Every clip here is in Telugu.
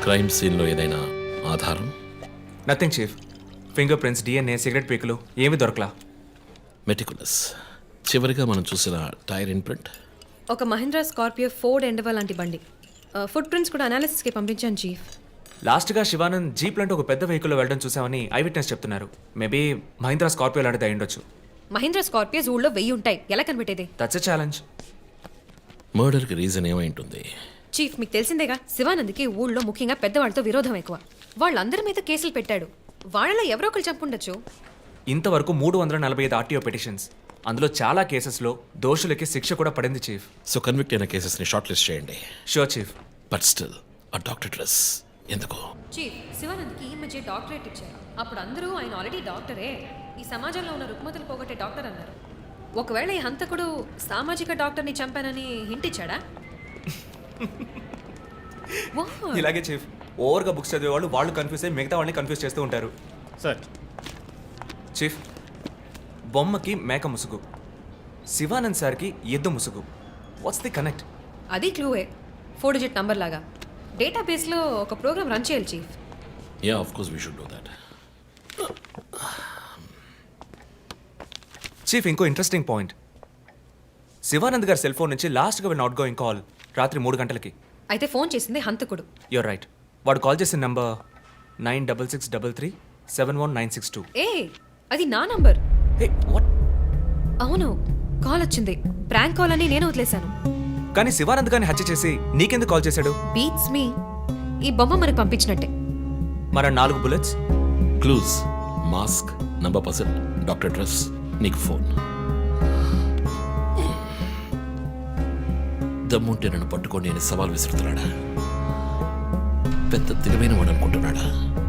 క్రైమ్ సీన్లో ఏదైనా ఆధారం? Nothing chief. Finger prints, DNA, cigarette పీకులు ఏమీ దొరకలా. మెటికులస్. చివరిగా మనం చూసిన టైర్ ఇన్ప్రింట్ ఒక మహీంద్రా స్కార్పియో ఫోర్డ్ ఎండవా లాంటి బండి. ఫుట్ ప్రింట్స్ కూడా అనాలిసిస్కి పంపించాను చీఫ్. లాస్ట్గా శివానంద్ జీప్ లాంటి ఒక పెద్ద వెహికల్లో వెళ్ళడం చూసామని ఐ విట్నెస్ చెప్తున్నారు. మేబీ మహీంద్రా స్కార్పియో లాంటిది అయి ఉండొచ్చు. మహీంద్రా స్కార్పియోస్ ఊళ్ళో 1000 ఉంటాయి, ఎలా కనిపెట్టేది? That's a challenge. మర్డర్కి రీజన్ ఏమై ఉంటుంది? చీఫ్, మీకు తెలిసిందేగా, శివానంద్కి ఊళ్ళో ముఖ్యంగా పెద్దవాళ్ళతో విరోధం ఎక్కువ. వాళ్ళందరి మీద కేసులు పెట్టాడు. వాళ్ళలో ఎవరో ఒకరు చంపుండొచ్చు. ఇంతవరకు 345 ఆర్టీఓ పిటిషన్స్, అందులో చాలా కేసెస్లో దోషులకి శిక్ష కూడా పడింది చీఫ్. సో కన్విక్ట్ అయిన కేసెస్ని షార్ట్ లిస్ట్ చేయండి. Sure chief. బట్ స్టిల్ ఆ డాక్టర్ డ్రెస్ ఎందుకు? చీఫ్, శివానంద్కి ఈ మధ్య డాక్టరేట్ ఇచ్చారు. అప్పుడు అందరూ ఆయన ఆల్రెడీ డాక్టరే, ఈ సమాజంలో ఉన్న రుగ్మతలు పోగొట్టే డాక్టర్ అన్నారు. ఒకవేళ ఈ హంతకుడు సామాజిక డాక్టర్ని చంపానని హింట్ ఇచ్చాడా? ఇలాగే చీఫ్, ఓవర్గా బుక్స్ చదివే వాళ్ళు కన్ఫ్యూజ్ అయ్యి మిగతా వాళ్ళని కన్ఫ్యూజ్ చేస్తూ ఉంటారు. సార్, చీఫ్, బొమ్మకి మేక ముసుగు, శివానంద్ సార్కి ఎద్దు ముసుగు. What's the connect? అది క్లూవే, 4 డిజిట్ నంబర్ లాగా. డేటాబేస్లో ఒక ప్రోగ్రామ్ రన్ చేయాలి chief. Yeah, of course we should do that. Chief, ఇంకో ఇంట్రెస్టింగ్ పాయింట్. శివానంద్ గారి సెల్ ఫోన్ నుంచి లాస్ట్గా వెళ్ళిన అవుట్ గోయింగ్ కాల్ రాత్రి 3 గంటలకి. అయితే ఫోన్ చేసింది హంతకుడు. You're right. వాడు కాల్ చేసిన నంబర్ 9663371962. ఏ, అది నా నంబర్. Hey, what? అవును, కాల్ వచ్చింది. ప్రాంక్ కాల్ అని నేను వదిలేశాను. కానీ శివానంద్ గారిని హత్య చేసి నీకెందుకు కాల్ చేశాడు? Beats me. ఈ బొమ్మ మనకు పంపించినట్టే. మన 4 bullets, clues, mask, number person, doctor dress, నీకు ఫోన్. దమ్ముంటే నన్ను పట్టుకొని నేను సవాల్ విసురుతున్నాడా? పెద్ద తెలివైన వాడు అనుకుంటున్నాడా?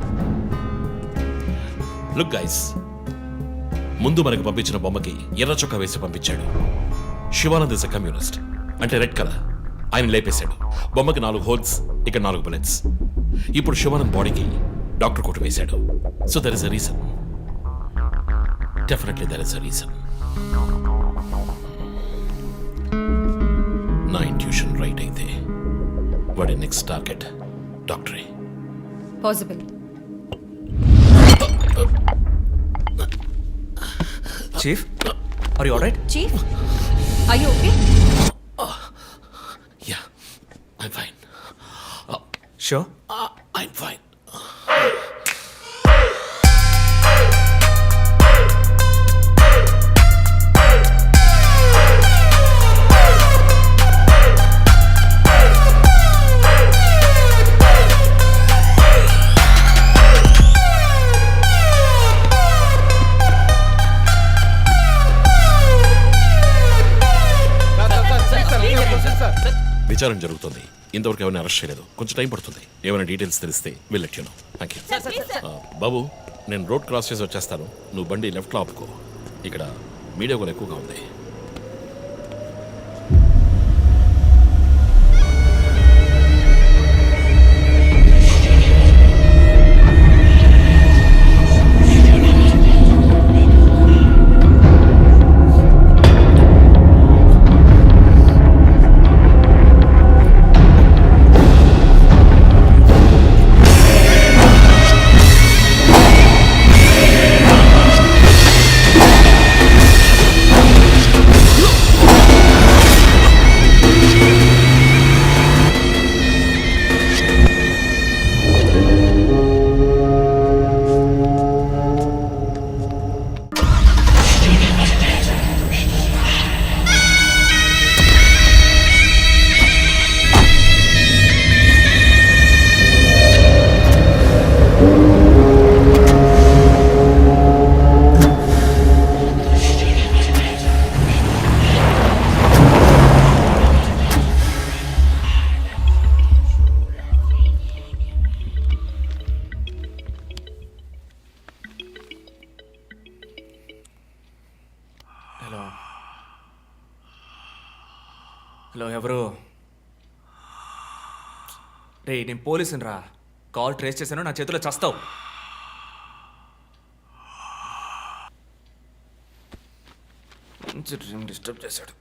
లుక్ గైస్, ముందు మనకు పంపించిన బొమ్మకి ఎర్ర చొక్కా వేసి పంపించాడు. శివానంద్ ఇస్ ఎ కమ్యూనిస్ట్, అంటే రెడ్ కలర్. ఆయన లేపేశాడు. బొమ్మకి 4 హోల్స్, ఇక్కడ 4 బుల్లెట్స్. ఇప్పుడు శివానంద్ బాడీకి డాక్టర్ కోట్ వేశాడు. So there is a reason. Definitely there is a reason. నా ఇంట్యూషన్ రైట్ అయితే వాడి నెక్స్ట్ టార్గెట్ డాక్టరే. Possible. Chief, are you alright? Chief, are you okay? Yeah, I'm fine. Sure. I'm fine. విచారణ జరుగుతుంది. ఇంతవరకు ఎవరిని అరెస్ట్ చేయలేదు. కొంచెం టైం పడుతుంది. ఏమైనా డీటెయిల్స్ తెలిస్తే will let you know. Thank you. బాబు, నేను రోడ్ క్రాస్ చేసి వచ్చేస్తాను. నువ్వు బండి లెఫ్ట్లో ఆపుకో. ఇక్కడ మీడియా కూడా ఎక్కువగా ఉంది. హలో, ఎవరు? రే, నేను పోలీసుని రా. కాల్ ట్రేస్ చేశాను, నా చేతిలో చస్తావు. డిస్టర్బ్ చేశాడు.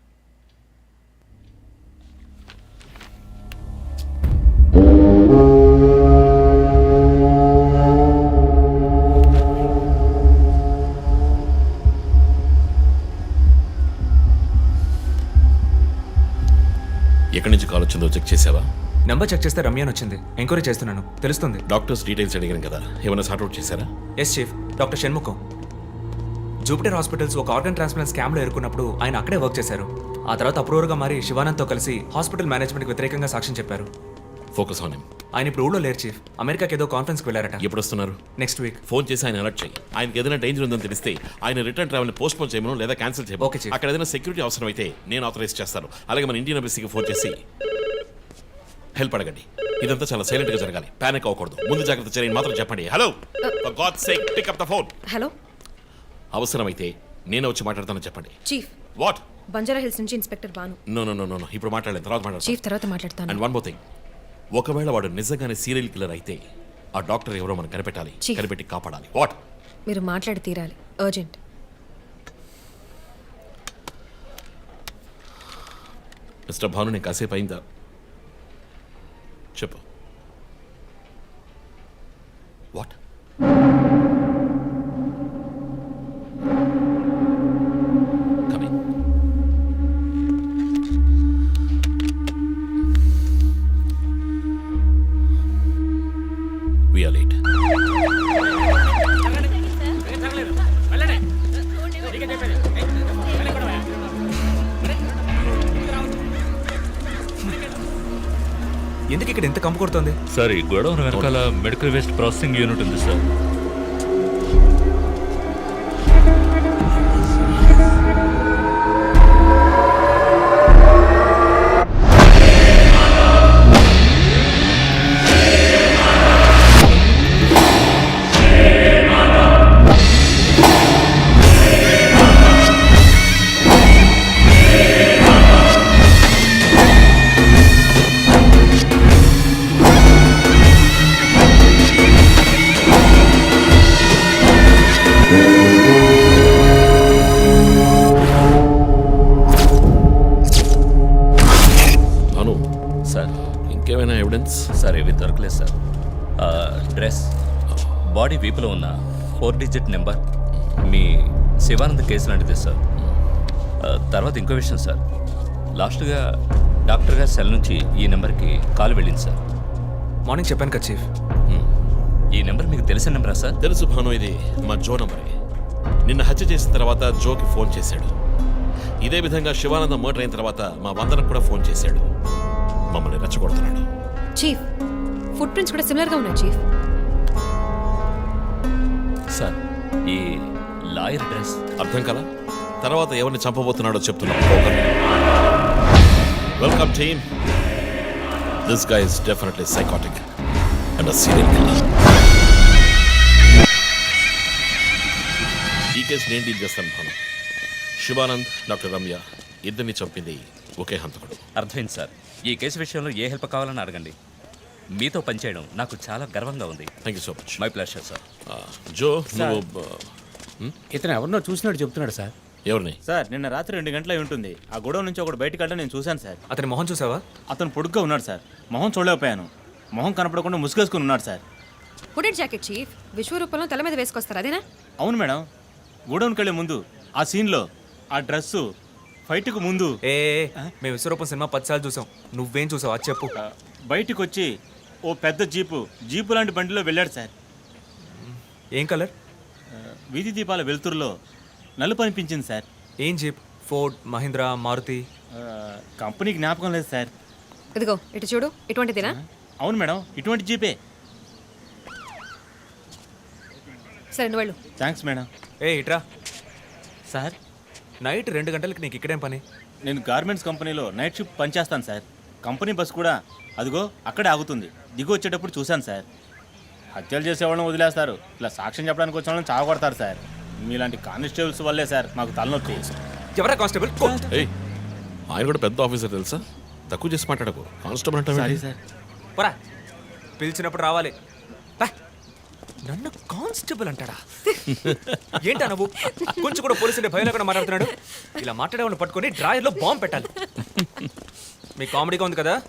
వచ్చిందో చెక్ చేసావా? నెంబర్ చెక్ చేస్తే రమ్య అని వచ్చింది. ఎంక్వైరీ చేస్తున్నాను, తెలుస్తుంది. డాక్టర్స్ డీటెయిల్స్ అడిగాను కదా, ఏమైనా సార్ట్అవుట్ చేశారా? Yes chief, doctor Shanmukham. Jupiter hospitals ఒక ఆర్గన్ ట్రాన్స్ప్లాంట్ స్కామ్లో ఎరుకున్నప్పుడు ఆయన అక్కడే వర్క్ చేశారు. ఆ తర్వాత అప్రూవర్గా మారి శివానంద్తో కలిసి హాస్పిటల్ మేనేజ్మెంట్కి వ్యతిరేకంగా సాక్ష్యం చెప్పారు. Focus on him. ఆయన ఇప్పుడు ఊళ్ళో లేరు చీఫ్, అమెరికాకి ఏదో కాన్ఫరెన్స్కి వెళ్ళారట. ఎప్పుడు వస్తున్నారు? Next week. ఫోన్ చేసి ఆయన అలర్ట్ చేయి. ఆయనకి ఏదైనా డేంజర్ ఉందని తెలిస్తే ఆయన రిటర్న్ ట్రావెల్ పోస్ట్ పోన్ చేయమను లేదా క్యాన్సిల్ చేయమను. Okay, chief. అక్కడ ఏదైనా సెక్యూరిటీ అవసరం అయితే నేను ఆథరైజ్ చేస్తాను. అలాగే మన ఇండియన్ ఎంబసీకి ఫోన్ చేసి హెల్ప్ అడగండి. ఇదంతా చాలా సైలెంట్ గా జరగాలి, పానిక్ అవ్వకూడదు. ముందు జాగ్రత్త చర్యని మాత్రం చెప్పండి. Hello, for God's sake pick up the phone. Hello అవసరమైతే నేను వచ్చి మాట్లాడతానని చెప్పండి. Chief, what? బంజారా హిల్స్ నుంచి ఇన్స్పెక్టర్ బాను. నో ఇప్పుడు మాట్లాడలేదు, తర్వాత మాట్లాడతాను. చీఫ్ తర్వాత మాట్లాడతాను. అండ్ వన్ మోర్ థింగ్, ఒకవేళ వాడు నిజంగానే సీరియల్ కిల్లర్ అయితే ఆ డాక్టర్ ఎవరో మనం కనిపెట్టాలి, Chief. కనిపెట్టి కాపాడాలి. వాట్? మీరు మాట్లాడి తీరాలి, అర్జెంట్. మిస్టర్ భాను, నేను కాసేపు అయిందా? చెప్పు. What? Coming. We are late. ఎందుకు ఇక్కడ ఎంత కంపు కొడుతుంది? సార్, ఈ గొడవ వెనకాల మెడికల్ వేస్ట్ ప్రాసెసింగ్ యూనిట్ ఉంది సార్. భాను, సార్ ఇంకేమైనా ఎవిడెన్స్? సార్ ఇవి దొరకలేదు సార్. డ్రెస్, బాడీ వీపులో ఉన్న 4 డిజిట్ నెంబర్ మీ శివానంద్ కేసు లాంటిది సార్. తర్వాత ఇంకో విషయం సార్, లాస్ట్గా డాక్టర్ గారి సెల్ నుంచి ఈ నెంబర్కి కాల్ వెళ్ళింది సార్. మార్నింగ్ చెప్పాను కదా చీఫ్. ఈ నెంబర్ మీకు తెలిసిన నెంబరా సార్? తెలుసు భాను, ఇది మా జో నంబరే. నిన్న హత్య చేసిన తర్వాత జోకి ఫోన్ చేశాడు. ఇదే విధంగా శివానందం మర్డర్ అయిన తర్వాత మా వందనకు కూడా ఫోన్ చేశాడు. మమ్మల్ని రెచ్చగొడుతున్నాడు. చీఫ్, ఫుట్ ప్రింట్స్ కూడా సిమిలర్ గా ఉన్నాయి చీఫ్. సార్, ఈ లాయర్ డ్రెస్ అర్థం కదా? తర్వాత ఎవరిని చంపబోతున్నాడో చెప్తున్నా. Welcome team. This guy is definitely psychotic and a serial killer. ఈ కేసు నేను డీల్ చేస్తాను భాను. శివానంద్, డాక్టర్ రమ్య ఇద్దరిని చంపింది ఒకే హంతకుడు. అర్థమైంది సార్. ఈ కేసు విషయంలో ఏ హెల్ప్ కావాలని అడగండి. మీతో పనిచేయడం నాకు చాలా గర్వంగా ఉంది. Thank you so much. My pleasure sir. Jo, నువ్వు ఇతను ఎవరినో చూసినట్టు చెప్తున్నాడు సార్. ఎవరిని? సార్, నిన్న రాత్రి 2 గంటలై ఉంటుంది. ఆ గొడవ నుంచి ఒకడు బయటకు వెళ్ళడం నేను చూశాను సార్. అతని మొహం చూసావా? అతను పొడుగ్గా ఉన్నాడు సార్. మొహం చూడలేకపోయాను. మొహం కనపడకుండా ముసుగేసుకుని ఉన్నాడు సార్. Hooded jacket chief. విశ్వరూపంలో తల మీద వేసుకొస్తారు, అదేనా? అవును మేడం. గోడౌన్కి వెళ్ళే ముందు ఆ సీన్లో ఆ డ్రెస్సు ఫైట్కు ముందు ఏ మేము విశ్వరూపం సినిమా 10 సార్లు చూసాం. నువ్వేం చూసావు అది చెప్పు. బయటికి వచ్చి ఓ పెద్ద జీపు లాంటి బండిలో వెళ్ళాడు సార్. ఏం కలర్? వీధి దీపాల వెలుతురులో నలుపు అనిపించింది సార్. ఏం jeep? Ford, Mahindra, Maruti? Company జ్ఞాపకం లేదు సార్. ఇదిగో ఇటు చూడు, ఇటువంటిదేనా? అవును మేడం, ఇటువంటి జీపే. సరే నువ్వు వెళ్ళు. Thanks madam. ఇట్రా. సార్, నైట్ 2 గంటలకి నీకు ఇక్కడేం పని? నేను గార్మెంట్స్ కంపెనీలో నైట్ షిఫ్ట్ పనిచేస్తాను సార్. కంపెనీ బస్ కూడా అదిగో అక్కడే ఆగుతుంది. దిగి వచ్చేటప్పుడు చూశాను సార్. హత్యలు చేసేవాళ్ళని వదిలేస్తారు, ఇలా సాక్ష్యం చెప్పడానికి వచ్చిన వాళ్ళని చావగొడతారు సార్. మీలాంటి కానిస్టేబుల్స్ వల్లే సార్ మాకు తలనొప్పి. ఎవరా కానిస్టేబుల్? ఏయ్, ఆయన కూడా పెద్ద ఆఫీసర్ తెలుసా? తక్కువ చేసి మాట్లాడకు. కానిస్టేబుల్ అంటే సారీ సార్. పోరా, పిలిచినప్పుడు రావాలి. పా. నన్ను కానిస్టేబుల్ అంటాడా? ఏంటా నువ్వు? కొంచెం కూడా పోలీసుంటే భయం లేకుండా మాట్లాడుతున్నాడు. ఇలా మాట్లాడేవాళ్ళని పట్టుకొని డ్రాయర్లో బాంబు పెట్టాలి. మీ కామెడీగా ఉంది కదా?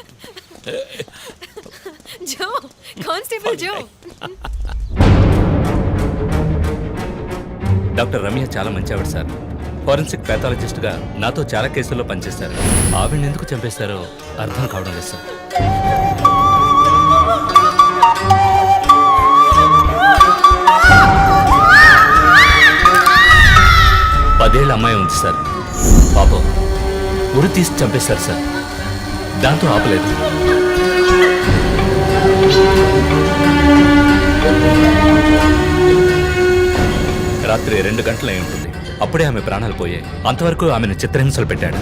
Joe, constable Joe. Doctor Ramya చాలా మంచి ఆవిడ సార్. ఫోరెన్సిక్ ప్యాథాలజిస్ట్గా నాతో చాలా కేసుల్లో పనిచేశారు. ఆవిడని ఎందుకు చంపేశారో అర్థం కావడం లేదు సార్. పదేళ్ళ అమ్మాయి ఉంది సార్. పాపం ఉరి తీసి చంపేశారు సార్. దాంతో ఆపలేదు. రాత్రి 2 గంటలు అయి ఉంటుంది. అప్పుడే ఆమె ప్రాణాలు పోయాయి. అంతవరకు ఆమెను చిత్రహింసలు పెట్టాడు.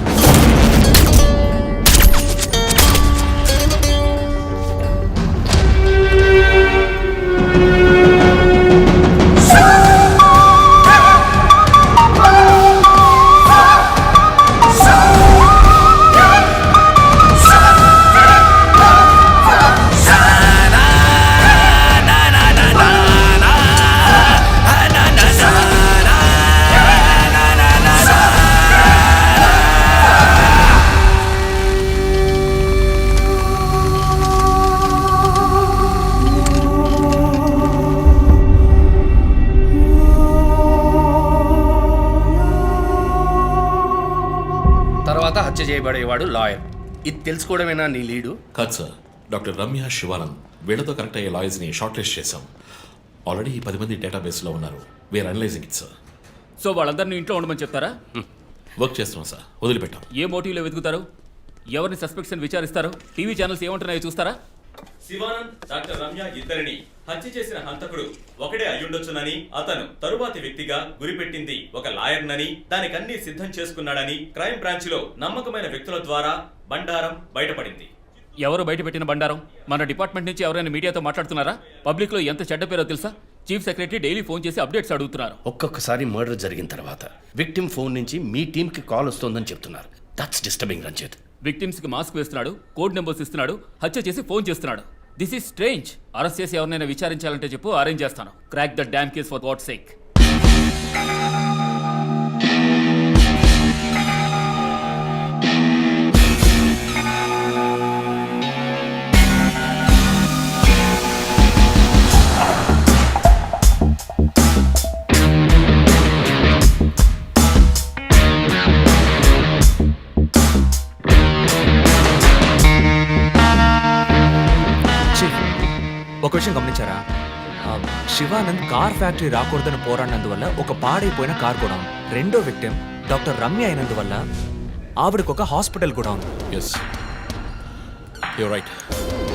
తర్వాత హత్య చేయబడేవాడు లాయర్. ఇది తెలుసుకోవడమేనా నీ లీడు? కాదు సార్, డాక్టర్ రమ్య, శివానంద్ వీళ్ళతో కనెక్ట్ అయ్యే లాయర్స్ని షార్ట్ లిస్ట్ చేశాం. ఆల్రెడీ 10 మంది డేటాబేస్లో ఉన్నారు. We're analysing it sir. So వాళ్ళందరినీ ఇంట్లో ఉండమని చెప్తారా? వర్క్ చేస్తున్నాం సార్, వదిలిపెట్టాం. ఏ మోటివ్లో వెతుకుతారు? ఎవరిని సస్పెక్ట్స్ అని విచారిస్తారు? టీవీ ఛానల్స్ ఏమంటున్నాయో చూస్తారా? శివానంద్, డాక్టర్ రమ్య ఇద్దరిని హత్య చేసిన హంతకుడు ఒకడే అయ్యుండొచ్చునని, అతను తరువాతి వ్యక్తిగా గురిపెట్టింది ఒక లాయర్నని, దానికన్నీ సిద్ధం చేసుకున్నాడని క్రైమ్ బ్రాంచ్ లో నమ్మకమైన వ్యక్తుల ద్వారా బండారం బయటపడింది. ఎవరు బయటపెట్టిన బండారం? మన డిపార్ట్మెంట్ నుంచి ఎవరైనా మీడియాతో మాట్లాడుతున్నారా? పబ్లిక్ లో ఎంత చెడ్డ పేరో తెలుసా? చీఫ్ సెక్రటరీ డైలీ ఫోన్ చేసి అప్డేట్స్ అడుగుతున్నారు. ఒక్కొక్కసారి మర్డర్ జరిగిన తర్వాత విక్టిమ్ ఫోన్ నుంచి మీ టీంకి కాల్ వస్తోందని చెప్తున్నారు. That's disturbing Ranjith. విక్టిమ్స్ కి మాస్క్ వేస్తున్నాడు, కోడ్ నెంబర్స్ ఇస్తున్నాడు, హత్య చేసి ఫోన్ చేస్తున్నాడు. This is strange. అరెస్ట్ చేసి ఎవరినైనా విచారించాలంటే చెప్పు, అరేంజ్ చేస్తాను. Crack the damn case for God's sake. ఒక విషయం గమనించారా? శివానంద్ కార్ ఫ్యాక్టరీ రాకూడదని పోరాడినందువల్ల ఒక పాడైపోయిన కార్ కూడా ఉంది. రెండో విక్టిమ్ డాక్టర్ రమ్య అయినందువల్ల ఆవిడకు ఒక హాస్పిటల్ కూడా ఉంది. Yes, you're right.